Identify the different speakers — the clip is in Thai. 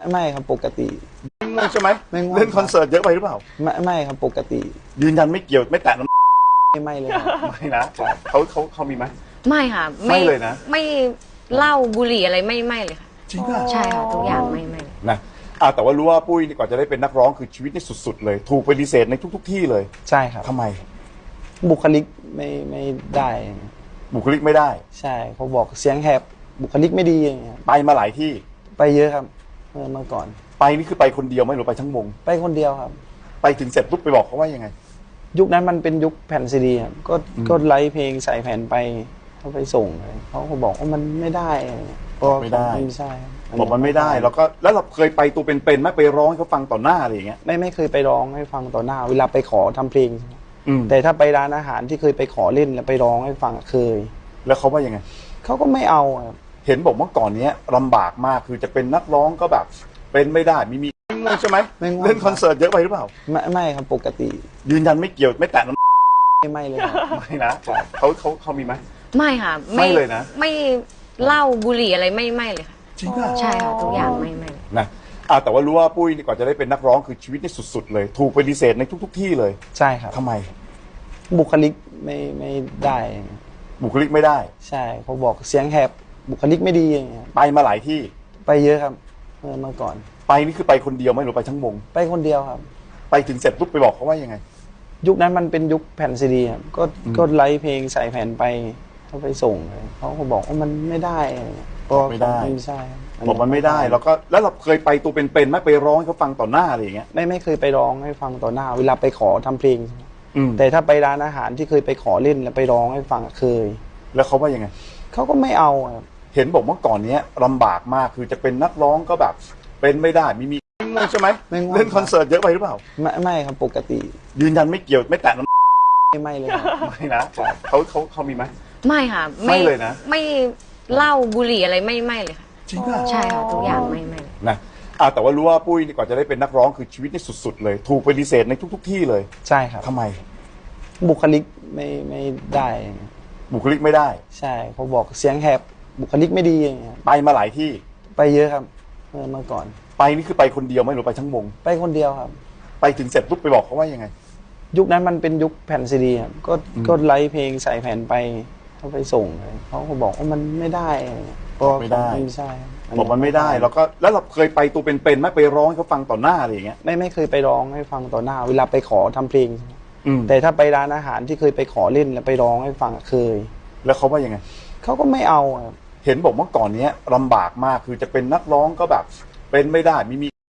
Speaker 1: ไม่ครับปกติ
Speaker 2: ง่วงใช่ไหม
Speaker 1: ไม่ง่วง
Speaker 2: เล่นคอนเสิร์ตเยอะไปหรือเปล่า
Speaker 1: ไม่ครับปกติ
Speaker 2: ยืนยันไม่เกี่ยวไม่แตะน้
Speaker 1: ไม่เลยครับ
Speaker 2: ำไม่นะเขามีไหม
Speaker 3: ไม่ค่ะ
Speaker 2: ไม่เลยนะ
Speaker 3: ไม่เหล้าบุหรี่อะไรไม่เลยค่ะ
Speaker 2: จริงป่ะ
Speaker 3: ใช่ค่ะทุกอย่างไม่เลย
Speaker 2: นะแต่ว่ารู้ว่าปุ้ยนี่ก่อนจะได้เป็นนักร้องคือชีวิตนี่สุดๆเลยถูกปฏิเสธในทุกๆที่เลย
Speaker 1: ใช่ครับ
Speaker 2: ทำไม
Speaker 1: บุคลิกไม่ได้
Speaker 2: บุคลิกไม่ได้
Speaker 1: ใช่เขาบอกเสียงแหบบุคลิกไม่ดีอย่างเงี้ย
Speaker 2: ไปมาหลายที่
Speaker 1: ไปเยอะครับเมื่อก่อน
Speaker 2: ไปนี่คือไปคนเดียวไหมหรือไปทั้งวง
Speaker 1: ไปคนเดียวครับ
Speaker 2: ไปถึงเสร็จปุ๊บไปบอกเขาว่ายังไง
Speaker 1: ยุคนั้นมันเป็นยุคแผ่นซีดีครับก็ไลฟ์เพลงใส่แผ่นไปเขาไปส่งเลยเขาก็บอกว่ามันไม่ได้ก็
Speaker 2: ไม่ได้
Speaker 1: ไม่ใช่ครับ
Speaker 2: บอกมันไม่ได้แล้วเราเคยไปตัวเป็นๆไหมไปร้องให้เขาฟังต่อหน้าอะไรอย่างเงี้ย
Speaker 1: ไม่เคยไปร้องให้ฟังต่อหน้า เวลาไปขอทำเพลง
Speaker 2: อืม
Speaker 1: แต่ถ้าไปร้านอาหารที่เคยไปขอเล่นแล้วไปร้องให้ฟังเคย
Speaker 2: แล้วเขาว่ายังไง
Speaker 1: เขาก็ไม่เอาครับ
Speaker 2: เห็นบอกเมื่อก่อนเนี้ยลำบากมากคือจะเป็นนักร้องก็แบบ เป็นไม่ได้มีง่วงใช่ไหม
Speaker 1: ไม่ง่วง
Speaker 2: เล่นคอนเสิร์ตเยอะไปหรือเปล่า
Speaker 1: ไม่ครับปกติ
Speaker 2: ยืนยันไม่เกี่ยวไม่แตะน้
Speaker 1: ไม่เลยครับ
Speaker 2: ำไม่นะเขามีไหม
Speaker 3: ไม่ค่ะ
Speaker 2: ไม่เลยนะ
Speaker 3: ไม่เหล้าบุหรี่อะไรไม่เลยค่ะ
Speaker 2: จริงป่ะ
Speaker 3: ใช่ค่ะทุกอย่างไม่เลย
Speaker 2: นะแต่ว่ารู้ว่าปุ้ยนี่ก่อนจะได้เป็นนักร้องคือชีวิตนี่สุดๆเลยถูกปฏิเสธในทุกๆที่เลย
Speaker 1: ใช่ครับ
Speaker 2: ทำไม
Speaker 1: บุคลิกไม่ได้
Speaker 2: บุคลิกไม่ได้
Speaker 1: ใช่เขาบอกเสียงแหบบุคลิกไม่ดีอย่างเงี้ย
Speaker 2: ไปมาหลายที่
Speaker 1: ไปเยอะครับเมื่อก่อน
Speaker 2: ไปนี่คือไปคนเดียวไหมหรือไปทั้งวง
Speaker 1: ไปคนเดียวครับ
Speaker 2: ไปถึงเสร็จปุ๊บไปบอกเขาว่ายังไง
Speaker 1: ยุคนั้นมันเป็นยุคแผ่นซีดีครับก็ไลฟ์เพลงใส่แผ่นไปเขาไปส่งเลยเขาก็บอกว่ามันไม่ได้ก็
Speaker 2: ไม่ได้
Speaker 1: ไม่ใช่ครับ
Speaker 2: บอกมันไม่ได้แล้วเราเคยไปตัวเป็นๆไหมไปร้องให้เขาฟังต่อหน้าอะไรอย่างเงี้ย
Speaker 1: ไม่เคยไปร้องให้ฟังต่อหน้า เวลาไปขอทำเพลง
Speaker 2: อืม
Speaker 1: แต่ถ้าไปร้านอาหารที่เคยไปขอเล่นแล้วไปร้องให้ฟังเคย
Speaker 2: แล้วเขาว่ายังไง
Speaker 1: เขาก็ไม่เอาครับ
Speaker 2: เห็นบอกเมื่อก่อนเนี้ยลำบากมากคือจะเป็นนักร้องก็แบบ เป็นไม่ได้มีง่วงใช่ไหม
Speaker 1: ไม่ง่วง
Speaker 2: เล่นคอนเสิร์ตเยอะไปหรือเปล่า
Speaker 1: ไม่ครับปกติ
Speaker 2: ยืนยันไม่เกี่ยวไม่แตะน้ำ
Speaker 1: ไม่เลยครับ
Speaker 2: ไม่นะเขามีไหม
Speaker 3: ไม่ค่ะ
Speaker 2: ไม่เลยนะ
Speaker 3: ไม่เหล้าบุหรี่อะไรไม่เลยค่ะ
Speaker 2: จริงป่ะ
Speaker 3: ใช่ค่ะทุกอย่างไม่เลย
Speaker 2: นะแต่ว่ารู้ว่าปุ้ยนี่ก่อนจะได้เป็นนักร้องคือชีวิตนี่สุดๆเลยถูกปฏิเสธในทุกๆที่เลย
Speaker 1: ใช่ครับ
Speaker 2: ทำไม
Speaker 1: บุคลิกไม่ได้
Speaker 2: บุคลิกไม่ได้
Speaker 1: ใช่เขาบอกเสียงแหบบุคลิกไม่ดีอย่างเงี้ย
Speaker 2: ไปมาหลายที่
Speaker 1: ไปเยอะครับเมื่อก่อน
Speaker 2: ไปนี่คือไปคนเดียวไหมหรือไปทั้งวง
Speaker 1: ไปคนเดียวครับ
Speaker 2: ไปถึงเสร็จปุ๊บไปบอกเขาว่ายังไง
Speaker 1: ยุคนั้นมันเป็นยุคแผ่นซีดีครับก็ไลฟ์เพลงใส่แผ่นไปเขาไปส่งเลยเขาก็บอกว่ามันไม่ได้ก็
Speaker 2: ไม่ได้
Speaker 1: ไม่ใช่ครับ
Speaker 2: บอกมันไม่ได้แล้วเราเคยไปตัวเป็นๆไหมไปร้องให้เขาฟังต่อหน้าอะไรอย่างเงี้ย
Speaker 1: ไม่เคยไปร้องให้ฟังต่อหน้า เวลาไปขอทำเพลง
Speaker 2: อืม
Speaker 1: แต่ถ้าไปร้านอาหารที่เคยไปขอเล่นแล้วไปร้องให้ฟังเคย
Speaker 2: แล้วเขาว่ายังไง
Speaker 1: เขาก็ไม่เอาครับ
Speaker 2: เห็นบอกเมื่อก่อนเนี้ยลำบากมากคือจะเป็นนักร้องก็แบบ เป็นไม่ได้มี